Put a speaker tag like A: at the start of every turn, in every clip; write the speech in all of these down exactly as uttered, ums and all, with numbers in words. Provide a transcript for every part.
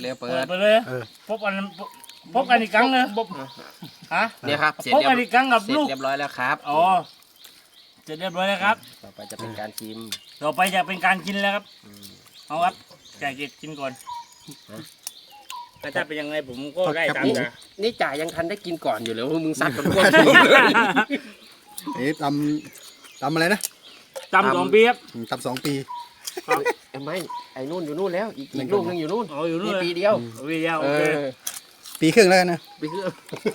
A: เลยเปิ
B: เปิด
A: ด
B: ไปเลยพบกันพบกันอีกครั้งเลยฮะ
A: เนี่ยครับเสร็จ
B: พบ
A: เรีย
B: กัน
A: บ
B: อีกครั้งกับ
A: เสร็จ
B: ลูก
A: เรียบร้อยแล้วครับ
B: อ๋อเสร็จเรียบร้อยแล้วครับ
A: ต่อไปจะเป็นการชิม
B: ต่อไปจะเป็นการกินแล้วครับเอาครับแจกเด็กกินก่อนแต่ถ้าเป็นยังไงผมก็ได้ตามนะ
A: นี่จ่ายยังทันได้กินก่อนอยู่เลยว่ามึงซัดกันพวก
C: นี่ตำตำอะไรนะ
B: ตำสองปีครับ
C: ตำสองปี
A: ไม่ไอ้นู่นอยู่นู่นแล้วอีกอีกลูกนึงอยู่นู่น
B: อ๋ออยู่นู่
A: นี่
B: น
A: ปีเดียว
B: ปีเดียว
A: เอ
B: โอเค
A: อ
C: ปีครึ่งแล้วกันนะ
A: ปีคือ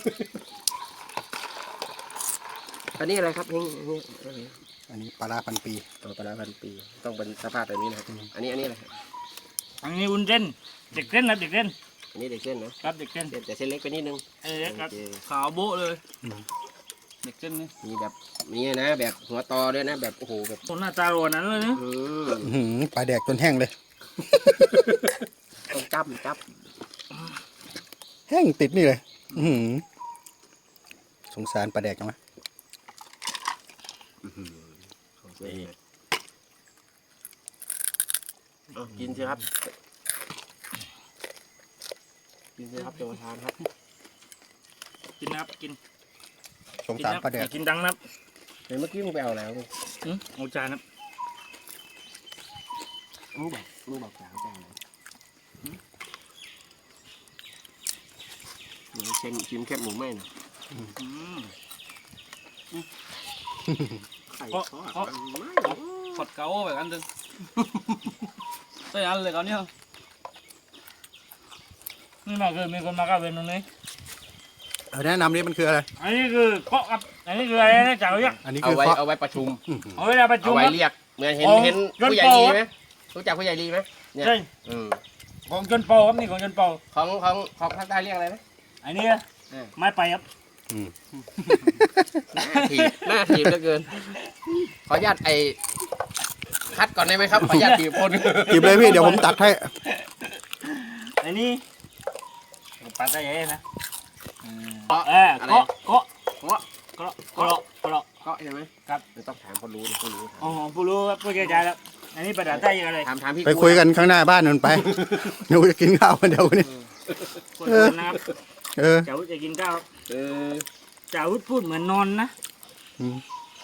A: อันนี้อะไรครับนี่นี่
C: อันนี้ปลาร้าพันปี
A: ต่อไปแล้วพันปีต้องเป็นสภาพแบบนี้นะครับอันนี้อันนี้อะไร
B: อันนี้วุ้นเส้นเด็กเส้นครับเด็กเส้น
A: อันนี้เด็กเส้นนะครับ
B: เด็กเส้น
A: เส้นแต่เส้นเล็กไปนิดนึง
B: เอ้ยครับ
A: โอเค
B: ขาวโบ๊ะเลยเด็กเส้นนี่
A: มีแบบนี้นะแบบหัวตอด้วยนะแบบโอ้โหแบบ
B: คนหน้าตาโรนั้นเลยนะ
A: อืม
C: อื้อหือปลาแดกจนแห้งเลย
A: ต้องจับจับ
C: แห้งติดนี่เลยอื้อหือสงสารปลาแดกจังวะ
A: เอากินสิครับกินสิครับเจ้าทานครับ
B: กินนะครับกิน
C: สงสารปลาแดก
B: กินดังนะครับ
A: เห็นเมื่อกี้มึงไปเอาแล้ว
B: อืมเอาจานครับ
A: มึงบอกมึงบอกสาวเจ้าแล้วเดี๋ยวชิมชิมแคบหมูไหมนะ
B: อืม
A: ไข่
B: เพราะ
A: ทอด
B: เพราะ
A: ไม่
B: ขดเกาแบบนั้นดึงใส่อันเลยเขาเนี่ยนี่มาคือมีคนมาก้าวเวรตรงนี้
C: เออแนะนำนี่มันคืออะไร
B: อันนี้คือเกาะครับอันนี้คืออะไรนะจ๋าเนี่ย
C: อันนี้
A: เอา
C: คือ
A: ไว้
C: เคาะ
A: เอาไว้ประชุม
B: เอาเวลาประชุ
A: เอา
B: ม
A: ไว้
B: ครับ
A: เรียกเหมือนเห็น
B: อ๋อ
A: เห็น
B: ยนต์
A: ผู้ใหญ่
B: โป
A: ลี
B: ครับ
A: ไหมรู้จักผู้ใหญ่ลีไหมเนี่ย
B: ใช่
A: อืม
B: ของจนโปครับนี่ของจนโป
A: ของของของภาคใต้เรียกอะไรนะ
B: อันนี้
A: เออ
B: ไม่ไปครับ
C: อืม
A: หน้าถีบหน้าถีบเหลือเกินขออนุญาตไอ้คัดก่อนได้ไหมครับขออนุญาตถีบคน
C: หยิบเลยพี่เดี๋ยวผมตักให้
B: อันนี้ปลาตะเยนะ
A: เกาะ
B: เออ
A: อะไร
B: เกาะเกาะ
A: เกาะ
B: เกาะเกาะเกาะ
A: เกาะใช่ไหม
B: ครับ
A: เดี๋ยวต้องถามคนรู้ดิคนรู้
B: อ๋อผู้รู้ครับผู้เชี่ยวชาญครับอันนี้ภาษาใต้ยังอะไร
A: ถามถามพี่
C: ไปคุยกันข้างหน้าบ้านนั่นไปเดี๋ยวจะกินข้าวกันเดี๋ยวนี้
B: คนคนนะครับ
C: เออ
B: จ่าวุฒิจะกินข้าว
A: เออ
B: จ่าวุฒิพูดเหมือนนอนนะ
C: อืม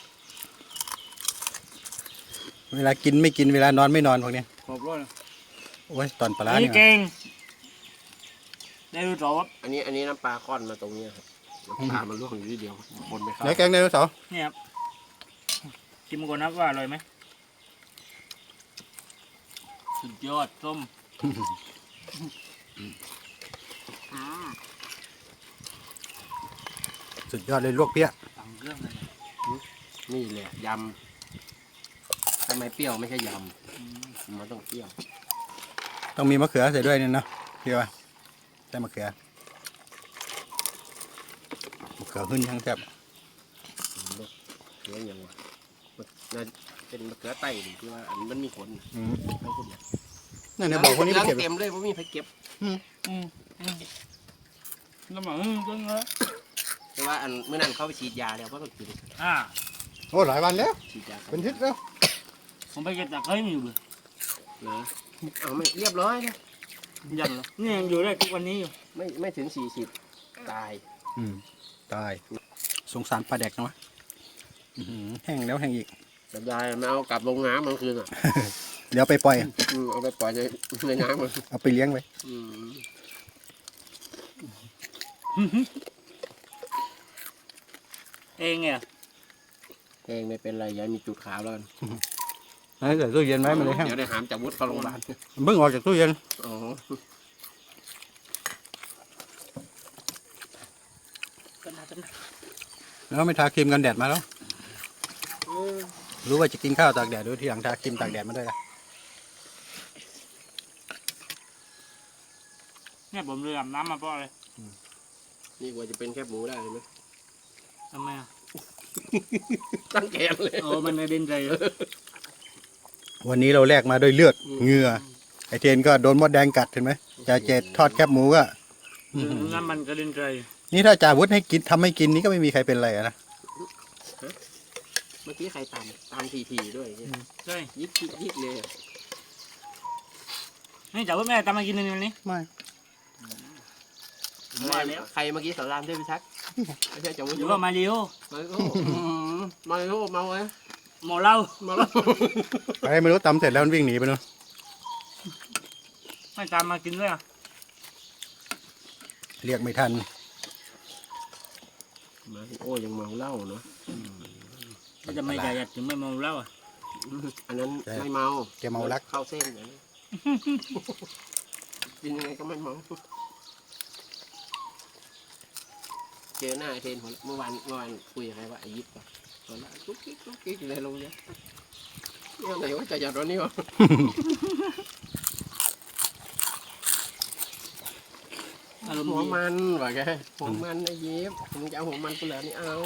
C: เวลากินไม่กินเวลานอนไม่นอนพวกเนี้ย
B: ขอบร้อย
C: โอ้ยตอนปลาร้า
B: อัน
C: นี่
B: นี้เก่งได้รู้ต่อครับ
A: อันนี้อันนี้น้ำปลาก้อนมาตรงเนี้ยครับน้ำปลามันลวกอยู่ทีเดียวบนไม่เข้า
C: ไหนแกงไดโนเสาร์
B: นี่ครับกินมาก่อนนะว่าอร่อยไหมสุดยอดส้ม
C: สุดยอดเลยลวกเปี้ย
B: ต่างเครื่องเลย
A: นี่แหละยำทำไมเปรี้ยวไม่ใช่ยำมันต้องเปรี้ยว
C: ต้องมีมะเขือใส่ด้วยเนี่ยเนาะพี่ว่าใส่มะเขือมะเขือขึ้นทั้งแซ่บ
A: เขือยังวะมันน่าเป็นมะเขือไต้ดิที่ว่าอันมันมีขน
C: อืม
A: ทั้งคุณเนี่ย
C: นั่นเนี่ยบอกคนนี้ไปเก็บ
A: เต็มเลยเพราะมีใครเก็บ
B: อืมอืมแล้วมาอืมจังเลย
A: แต่ว่าอันเมื่อนั้นเขาไปฉีดยาแล้วเพราะต้องกิน
B: อ่า
C: โอ้หลายวันแล้ว
A: ฉีดยา
C: เป็นทิศแล้ว
B: ผมไปเก็บจากเฮ้ยไม่อยู่เลย
A: เหรอเอาไม่เรียบร้อยนะ
B: ยังเหรอนี่ยังอยู่ได้ทุกวันนี้อยู่
A: ไม่ไม่ถึงสี่สิบตาย
C: อืมตายสงสารปลาแดกนะวะอื้อหือแห้งแล้วแห้งอีก
A: แต่ยายมาเอากลับลงน้ำมันคืนอ่ะ
C: เดี๋ยวไปปล่อย
A: อืมเอาไปปล่อยในในน้ำมัน
C: เอาไปเลี้ยงไว้
A: อืม
B: เองเนี่ย
A: เองไม่เป็นไรยายมีจุดขาวแล้วกัน
C: เฮ้ยใส่ตู้เย็นไว้มันเลยแห้ง
A: เดี๋ยวได้หามจากวุฒิเข้าโรงพยาบาล
C: เพิ่งออกจากตู้เย็น
A: อ๋อ
B: ก็น่าจะนะ
C: แล้วไม่ทาครีมกันแดดมาแล้วรู้ว่าจะกินข้าวตากแดดด้วยที่หลังทาครีมตากแดดมาด้วยล่ะ
B: เนี่ยผมเลยอาบน้ำมาเพราะอะไร
A: นี่กว่าจะเป็นแคบหมูได้ไหม
B: ทำไมอ่ะ
A: ตั้งแกนเลย
B: โอ้มันในดินใจเหรอ
C: วันนี้เราแลกมาด้วยเลือดเหงื่อไอเทนก็โดนมดแดงกัดเห็นไหมจ่าเจดทอดแคบหมูก็
B: น้ำมันกระเด็นใจ
C: นี่ถ้าจ่าวุฒิให้กินทำให้กินนี่ก็ไม่มีใครเป็นไรอะนะ
A: เมื่อกี้ใครตามตามทีทีๆด้วยเนี่ย
B: ใช่
A: ยิกยิกยิกเลย
B: นี่จ่าว่าแม่ตามมากินในวันนี้
C: ไม่
B: มาแล้ว
A: ใครเมื่อกี้สารามเทพิทักษ์ไม่ใช่จังหวัด
B: หรือว่ามาริโอ
A: มาริโอ้มาริโอ้เมาเลย
B: หมอเหล้า
A: มาแล้ว
C: ใครไม่รู้ตำเสร็จแล้วมันวิ่งหนีไปเนาะ
B: ไม่ตามมากินด้วยอ่ะ
C: เรียกไม่ทัน
A: มาริโอ้ยังเมาเหล้าเนาะ
B: ก็จะไม่ใหญ่ยัดถึงไม่เมาเหล้าอ่ะ
A: อันนั้นไม่เมา
C: แกเมารัก
A: เข้าเส้นอย่างนี้กินยังไงก็ไม่เมาเจอหน้าไอเทนคนเมื่อวานเมื่อวานคุยกับใครว่าไอยิปต์ป่ะตอนนั้นกุ๊กกิ๊กกุ๊กกิ๊กเลยลงเนี่ยเนี่ยไหนว่าจะหยอดวันนี้วะ
B: อารมณ์
A: หัว
B: ดี
A: มันว่าแกหัวมันไอยิปต์มึงจะเอาหัวมันกูเหรอนี่เอา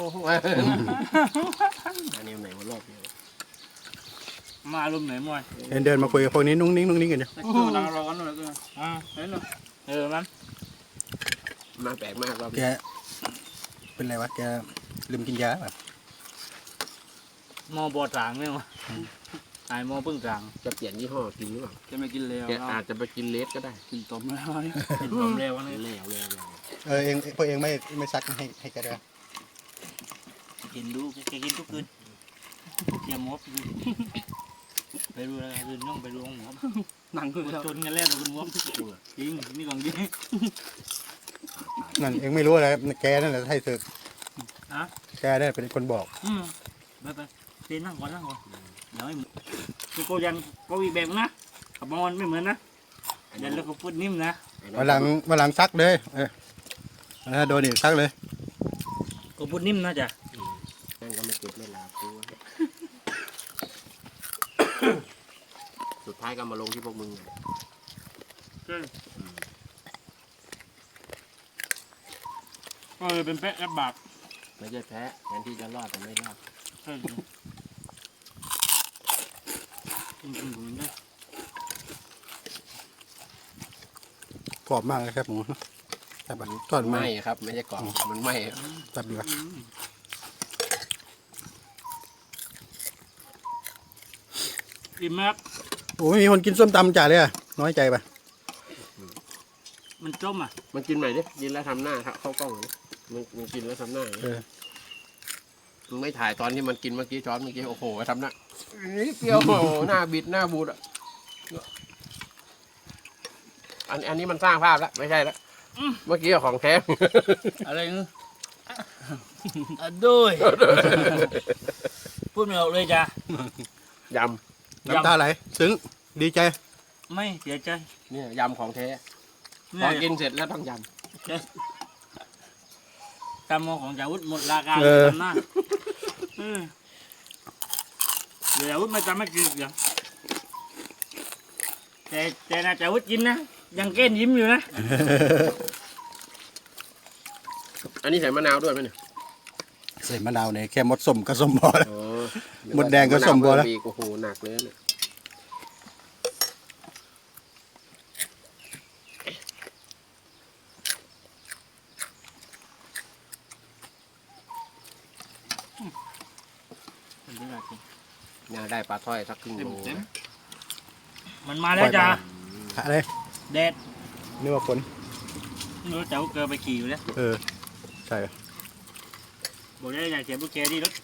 A: อันนี้ไหนว่ารอบเดียว
B: มาอารมณ์ไหนมั่ว
C: เดินเดินมาคุยกับพวกนี้นุ่งนิ่งนุ่งนิ่งกันอยู่
B: แต่ก็นั่งรอกันหน่อยก็อ่าเห็นเนาะเออมัน
A: มาแปลกมากรอบ
C: แก
A: นี้
C: เป็นไรวะแกลืมกินยาแบบ
B: มอบอดสางเนี่ยวะหายมอเพิ่งสาง
A: จะเปลี่ยนยี่ห้อกินหรือเปล่า
B: จะไม่กินแล้ว
A: แกอาจจะไปกินเลสก็ได้
B: กินต้มแล้วนี่กินต้มแล้วนี่
A: แล้วแล้วแล้ว
C: เออเองพวกเองไม่ไม่ซักให้ให้แกด้วย
B: กินดูแกกินทุกคืนเทียมมบไปดูอะไรคืนน้องไปดูของหมอนั่งคือจนกันแล้วแต่คุณมบจริงนี่ของจริง
C: นั่นเองไม่รู้อะไรแกนั่นแหละให้ศึก
B: ฮะ
C: แกนั่นเป็นคนบอก
B: อืมไปไปเตีนั่งก่อนนั่งก่อนเดี๋ยวให้คือโกยันโกอีกแบบนะกับบอลไม่เหมือนนะยันแล้วก็พูดนิ่มนะ
C: วันหลังวันหลังซักเลยเออถ้าโดนอีกซักเลย
B: ก็พูดนิ่มนะจ๊ะ
A: นั่งก็ไม่เก็บไม่ลากูสุดท้ายก็มาลงที่พวกมึงไง
B: ก็เลยเป็นแพะรับบาป
A: ไม่ใช่แพ้แทนที่จะรอดแต่ไม่รอด
B: ใช่จริงจริงผมเนี่ย
C: กรอบมากเลยครับหมูใช่ปะทอด
A: ไห
C: ไห
A: ม
C: ม
A: ครับ ไม่ใช่กรอบมันไหม
C: จับดีกว่า
B: อิ่มครับ
C: โอ้ไม่มีคนกินส้มตำจ่าเลยอ่ะน้อยใจปะ
B: มันจมอ่ะ
A: มันกินใหม่ดิกินแล้วทำหน้าเข้ากล้องเลยมึงมึงกินแล้วทำหน้า
C: เออ
A: มึงไม่ถ่ายตอนที่มันกินเมื่อกี้ช้อนเมื่อกี้โอ้โหทำหน้าเปรี้ยวโอ้โหหน้าบิดหน้าบูดอ่ะอันอันนี้มันสร้างภาพแล้วไม่ใช่แล้วเมื่อกี้ของแท้
B: อะไรเงี้ยอ่ะด้วยพูดไม่ออกเลยจ้ะ
A: ย
C: น้ำตาไหลซึ้งดีใจ
B: ไม่เสียใจ
A: ำเนี่ยยำของแท้พ
B: เนี่
A: อย กินเสร็จแล้วต้องย
B: ตามมอของจาวุฒหมดราคา
C: เออ
B: ทำหน้าเออเดี๋ยวจาวุฒไม่จำไม่กินอย่างแต่แต่นะจาวุฒกินนะยังเก้นยิ้มอยู่นะ
A: ำอันนี้ใส่มะนาวด้วยไหมเนี่ย
C: ใส่มะนาวเนี่ยแค่มดส้มก็ส้มพอแล้ว
A: อ๋อ
C: หมดแดงก็ส้มบัวแล้ว
A: อีกโอ้โหหนักเลยเนี่ยอยากได้ปลาถ้อยสักครึ่งโล
B: มันมาแล้วจ้า
C: อะไร
B: แดด
C: นึกว่าฝน
B: รถจาวุฒเกินไปขี่อยู่แล้ว
C: เออใช่
B: บอกได้อยากเจ็บลูกแกดีรถ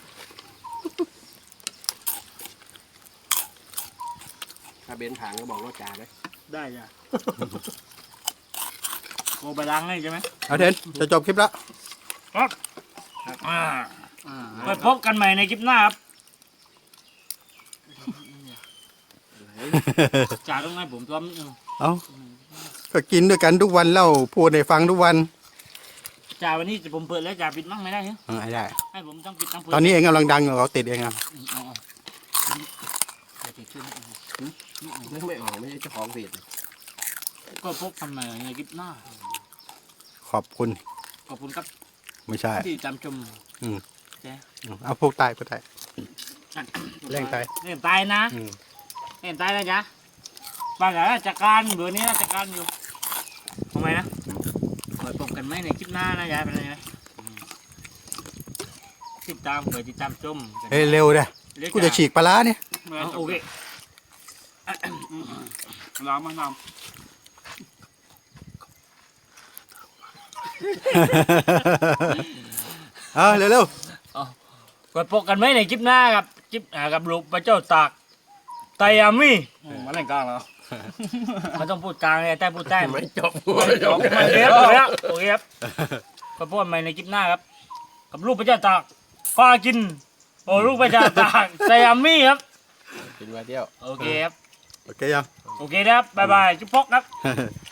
A: ถ้าเบนซ์ถางก็บอกรถจ่าเลย
B: ได้จ้ะโกบาลังให้ใช่ไหม
C: เอาเทนจะจบคลิปแล้ว
B: ครับอ่าไปพบกันใหม่ในคลิปหน้าครับจ่าต้องให้ผมซ้อม
C: เอาก็กินด้วยกันทุกวันเล่าพูดให้ฟังทุกวัน
B: จ่าวันนี้ผมเปิดแล้วจ่าปิดมั่งไม่ได้เหรอ
C: เออได้
B: ให้ผมต้องปิดต้องเปิด
C: ตอนนี้เองกำลังดังอยู่เขาติดเองครับ
B: เอาเอาอย่าติดขึ้นนะ
A: นึกไม่ออกไม่ใช่เจ้าของเพจ
B: ก็พบกันใหม่ในคลิปหน้า
C: ขอบคุณ
B: ขอบคุณครับ
C: ไม่ใช่
B: ที่ตามชม
C: อืม
B: แจ๊
C: เอาพวกตายพวกตาย แรงตาย
B: แรงตายนะ
C: อืม
B: แรงตายนะจ๊ะบางอย่างราชการเบอร์นี้ราชการอยู่ทำไมนะคอยพบกันไหมในคลิปหน้านะจ๊ะเป็นไงติดตามเผื่อติดตามชม
C: เฮ้ยเร็วเด้กูจะฉีกปลาร้าเนี่ย
B: เอาโอเคน้ำมาน้
C: อ่าเร็ว
B: กดปกกันไหมในคลิปหน้ากับคลิปอ่ากับลูกพระเจ้าตากไตอามี่มาเล่นกลางแล้วไม่ต้องพูดกลางเลยแต่พูดใต้
A: ไม่จบ
B: ไม่จบมาเรียบโอเคครับโอเคครับก็พูดใหม่ในคลิปหน้าครับ กับลูกพระเจ้าตากฟ้ากินโอ้ลูกพระเจ้าตากไตอามี่ครับ
A: กินมาเที่ยว
B: โอเคครับ
C: ๆโอเคยัง
B: โอเคนะครับบ๊ายบายจุ๊บพกครับ